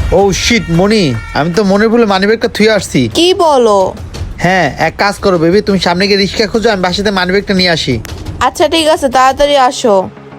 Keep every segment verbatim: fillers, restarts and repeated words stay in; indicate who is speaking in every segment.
Speaker 1: ও sheet মনি, আমি তো মনের ভুলে মানিব্যাগটা থুয়ে আসছি।
Speaker 2: কি বলো?
Speaker 1: হ্যাঁ, এক কাজ করো বেবি, তুমি সামনে গিয়ে রিক্সা খোঁজো, আমি বাসাতে মানিব্যাগটা নিয়ে আসি।
Speaker 2: আচ্ছা ঠিক আছে, তাড়াতাড়ি আসো।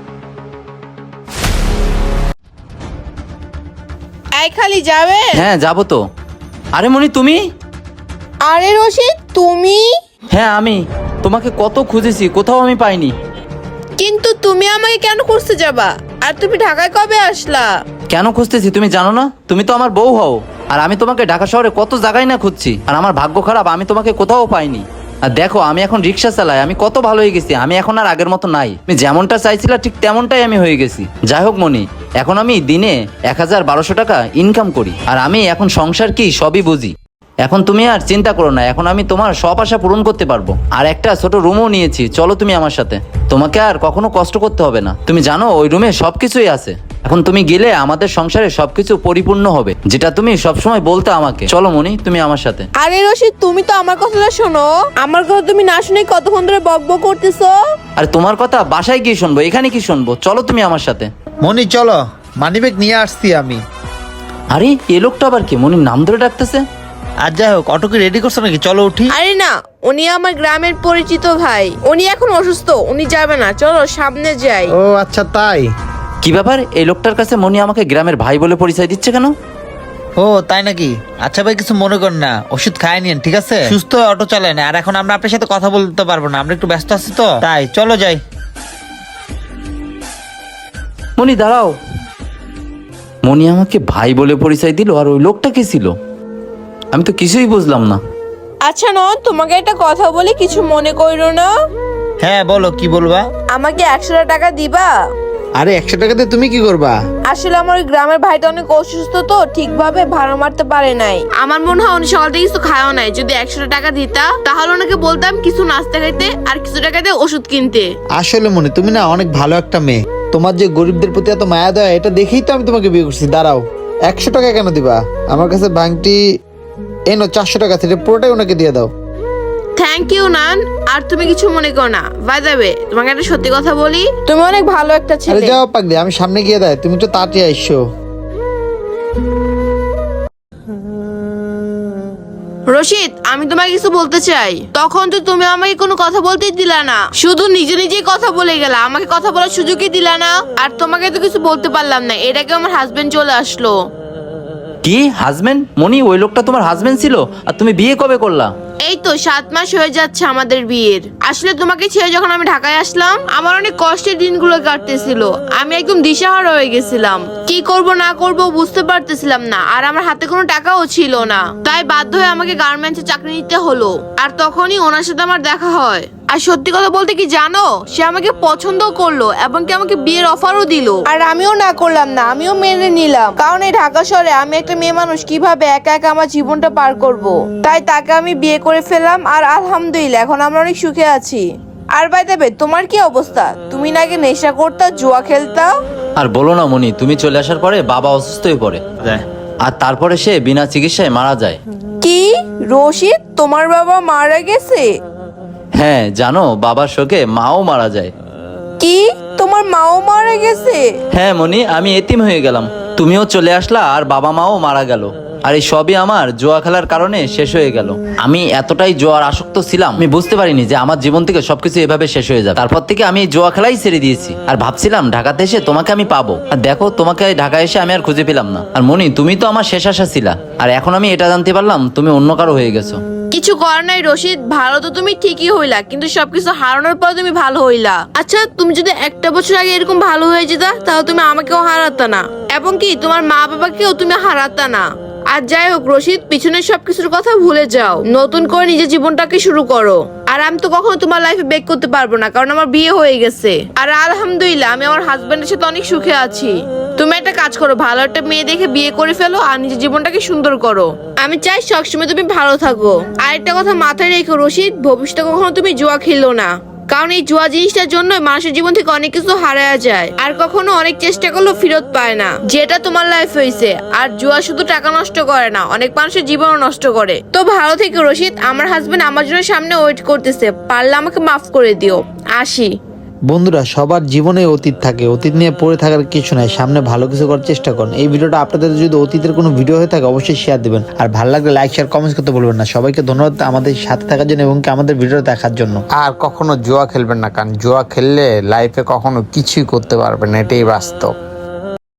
Speaker 2: এই খালি যাবে?
Speaker 3: হ্যাঁ যাবো তো। আরে মনি তুমি?
Speaker 2: আরে রশিদ তুমি?
Speaker 3: হ্যাঁ আমি তোমাকে কত খুঁজেছি, কোথাও আমি পাইনি।
Speaker 2: কিন্তু তুমি আমাকে কেন খুঁজতে যাবা? আর তুমি ঢাকায় কবে আসলা?
Speaker 3: কেন খুঁজতেছি তুমি জানো না? তুমি তো আমার বউ হও, আর আমি তোমাকে ঢাকা শহরে কত জায়গায় না খুঁজছি, আর আমার ভাগ্য খারাপ, আমি তোমাকে কোথাও পাইনি। আর দেখো আমি এখন রিক্সা চালাই, আমি কত ভালো হয়ে গেছি, আমি এখন আর আগের মতো নাই। তুমি যেমনটা চাইছিলা ঠিক তেমনটাই আমি হয়ে গেছি। যাই হোক মনি, এখন আমি দিনে এক হাজার বারোশো টাকা ইনকাম করি, আর আমি এখন সংসার কি সবই বুঝি। এখন তুমি আর চিন্তা করো না, এখন আমি তোমার সব আশা পূরণ করতে পারবো। আর একটা ছোট রুমও নিয়েছি, চলো তুমি আমার সাথে, তোমাকে আর কখনো কষ্ট করতে হবে না। তুমি জানো ওই রুমে সবকিছুই আছে। এখন তুমি গেলে আমাদের সংসারে সবকিছু পরিপূর্ণ হবে, যেটা তুমি সবসময় বলতে আমাকে। চলো মনি, তুমি আমার সাথে।
Speaker 2: আরে রশিদ তুমি তো আমার কথাটা শোনো। আমার কথা তুমি না শুনে কতক্ষণ ধরে বকবক করতেছো?
Speaker 3: আর তোমার কথা বাসায় গিয়ে শুনবো, এখানে কি শুনবো? চলো তুমি আমার সাথে।
Speaker 1: মনি চলো, মানিব্যাগ নিয়ে আসছি আমি।
Speaker 3: আরে এ লোকটা আবার কি মনির নাম ধরে ডাকতেছে?
Speaker 1: আর যাই হোক, অটো কি রেডি করছো নাকি? চলো উঠি।
Speaker 2: আরে না, উনি আমার গ্রামের পরিচিত ভাই। উনি এখন অসুস্থ, উনি যাবে না, চলো সামনে যাই।
Speaker 1: ও আচ্ছা তাই।
Speaker 3: কি ব্যাপার, এই লোকটার কাছে মনি আমাকে গ্রামের ভাই বলে পরিচয় দিচ্ছে কেন?
Speaker 1: ও তাই নাকি? আচ্ছা ভাই, কিছু মনে করেন না, ওষুধ খায় নিন, ঠিক আছে? সুস্থ হয়ে অটো চালায় না, আর এখন আমরা আপনার সাথে কথা বলতে পারবো না, আমরা একটু ব্যস্ত আছি তো তাই। চলো যাই।
Speaker 3: মনি দাঁড়াও, মনি আমাকে ভাই বলে পরিচয় দিল, আর ওই লোকটা কি ছিল? আমি তো কিছুই বুঝলাম না।
Speaker 2: আচ্ছা নন, তোমাকে একটা কথা বলি, কিছু মনে করো না।
Speaker 1: হ্যাঁ বলো, কি বলবা?
Speaker 2: আমাকে একশো টাকা দিবা?
Speaker 1: আরে একশো টাকাতে তুমি কি করবা?
Speaker 2: আসলে আমার ওই গ্রামের ভাইটা অনেক অসুস্থ, তো ঠিকভাবে ভাড়া মারতে পারে নাই। আমার মনে হয় উনি সকাল থেকে কিছু খাওয়া নাই। যদি একশো টাকা দিতা তাহলে ওনাকে বলতাম কিছু নাস্তা খাইতে আর কিছু টাকা দিয়ে ওষুধ কিনতে।
Speaker 1: আসলে মনে, তুমি না অনেক ভালো একটা মেয়ে, তোমার যে গরিবদের প্রতি এত মায়া দেয়, এটা দেখেই তো আমি তোমাকে বিয়ে করছি। দাঁড়াও, একশো টাকা কেন দিবা? আমার কাছে ভাঙটি এনো চারশো টাকা থেকে, পুরোটাই ওনাকে দিয়ে দাও।
Speaker 2: থ্যাংক ইউ নান। আর তুমি কিছু মনে করো না, বাই দ্য ওয়ে তোমাকে একটা সত্যি কথা বলি, তুমি অনেক ভালো একটা
Speaker 1: আরে
Speaker 2: ছেলে।
Speaker 1: যাও পাক দিয়ে, আমি সামনে গিয়ে দেয়, তুমি তো তাড়াতাড়ি আইসো।
Speaker 2: রশিদ আমি তোমাকে কিছু বলতে চাই। তখন তো তুমি আমাকে কোনো কথা বলতেই দিলা না, শুধু নিজে নিজেই কথা বলে গেলা, আমাকে কথা বলার সুযোগই দিলা না। আর তোমাকে তো কিছু বলতে পারলাম না, এটাকে আমার হাজবেন্ড চলে আসলো।
Speaker 3: কি হাজবেন্ড? মনি ওই লোকটা তোমার হাজবেন্ড ছিল? আর তুমি বিয়ে কবে করলা?
Speaker 2: এই তো সাত মাস হয়ে যাচ্ছে আমাদের বিয়ের। আসলে তোমাকে ছেড়ে যখন আমি ঢাকায় আসলাম, আমার অনেক কষ্টের দিনগুলো কাটতেছিল। আমি একদম দিশাহারা হয়ে গেছিলাম, কি করব না করব বুঝতে পারতেছিলাম না। আর আমার হাতে কোনো টাকাও ছিল না, তাই বাধ্য হয়ে আমাকে গার্মেন্টসে চাকরি নিতে হলো। আর তখনই ওনার সাথে আমার দেখা হয়। আর সত্যি কথা বলতে কি জানো, সে আমাকে পছন্দ করলো এবং কি আমাকে বিয়ের অফারও দিল। আর আমিও না করলাম না, আমিও মেনে নিলাম, কারণ এই ঢাকা শহরে আমি একটা মেয়ে মানুষ কিভাবে একা একা আমার জীবনটা পার করব। তাই তাকে আমি বিয়ে করে ফেললাম, আর আলহামদুলিল্লাহ এখন আমরা অনেক সুখে আছি। আর বাই দ্য ওয়ে তোমার কি অবস্থা? তুমি নাকি নেশা করতা, জুয়া খেলতা?
Speaker 3: আর বলো না মনি, তুমি চলে আসার পরে বাবা অসুস্থ হয়ে পড়ে, আর তারপরে সে বিনা চিকিৎসায় মারা যায়।
Speaker 2: কি রশিদ, তোমার বাবা মারা গেছে?
Speaker 3: হ্যাঁ জানো, বাবার শোকে মাও মারা যায়।
Speaker 2: কি তোমার মাও মারা গেছে?
Speaker 3: হ্যাঁ মনি, আমি এতিম হয়ে গেলাম, তুমিও চলে আসলা, আর বাবা মাও মারা গেল। আর এই সবই আমার জুয়া খেলার কারণে শেষ হয়ে গেল। আমি এতটাই জুয়ার আসক্ত ছিলাম, আমি বুঝতে পারিনি যে আমার জীবন থেকে সবকিছু এভাবে শেষ হয়ে যাবে। তারপর থেকে আমি এই জুয়া খেলাই ছেড়ে দিয়েছি, আর ভাবছিলাম ঢাকাতে এসে তোমাকে আমি পাবো। আর দেখো, তোমাকে ঢাকায় এসে আমি আর খুঁজে পেলাম না। আর মনি, তুমি তো আমার শেষ আশা ছিলা, আর এখন আমি এটা জানতে পারলাম তুমি অন্য কারো হয়ে গেছো।
Speaker 2: কিছু করার নাই রশিদ, ভালো তো তুমি ঠিকই হইলা, কিন্তু সবকিছু হারানোর পর তুমি ভালো হইলা। আচ্ছা তুমি যদি একটা বছর আগে এরকম ভালো হয়ে যেতা, তাহলে তুমি আমাকেও হারাতা না, এবং কি তোমার মা বাবাকেও তুমি হারাতা না। আর যাই হোক রশিদ, পিছনের সবকিছুর কথা ভুলে যাও, নতুন করে নিজের জীবনটাকে শুরু করো। আর আমি তো কখনো তোমার লাইফে ব্রেক করতে পারবো না, কারণ আমার বিয়ে হয়ে গেছে। আর আলহামদুলিল্লাহ আমি আমার হাজবেন্ডের সাথে অনেক সুখে আছি। তুমি একটা কাজ করো, ভালো একটা মেয়ে দেখে বিয়ে করে ফেলো, আর নিজের জীবনটাকে সুন্দর করো। আমি চাই সবসময় তুমি ভালো থাকো। আর একটা কথা মাথায় রেখো রশিদ, ভবিষ্যতে কখনো তুমি জুয়া খেলো না, কারণ এই জুয়া জিনিসটার জন্য মানুষের জীবন থেকে অনেক কিছু হারায়া যায়, আর কখনো অনেক চেষ্টা করলেও ফেরত পায় না, যেটা তোমার লাইফ হয়েছে। আর জুয়া শুধু টাকা নষ্ট করে না, অনেক মানুষের জীবনও নষ্ট করে। তো ভালো থেকো রশিদ, আমার হাজবেন্ড আমার জন্য সামনে ওয়েট করতেছে, পারলে আমাকে মাফ করে দিও। আসি।
Speaker 1: বন্ধুরা, সবার জীবনে অতীত থাকে, অতীত নিয়ে পড়ে থাকার কিছু নাই, সামনে ভালো কিছু করার চেষ্টা করুন। এই ভিডিওটা আপনাদের যদি অতীতের কোনো ভিডিও হয়ে থাকে অবশ্যই শেয়ার দিবেন, আর ভালো লাগলে লাইক শেয়ার কমেন্টস করতে বলবেন না। সবাইকে ধন্যবাদ আমাদের সাথে থাকার জন্য এবং কি আমাদের ভিডিও দেখার জন্য।
Speaker 4: আর কখনো জুয়া খেলবেন না, কারণ জুয়া খেললে লাইফে কখনো কিছুই করতে পারবেন না, এটাই বাস্তব।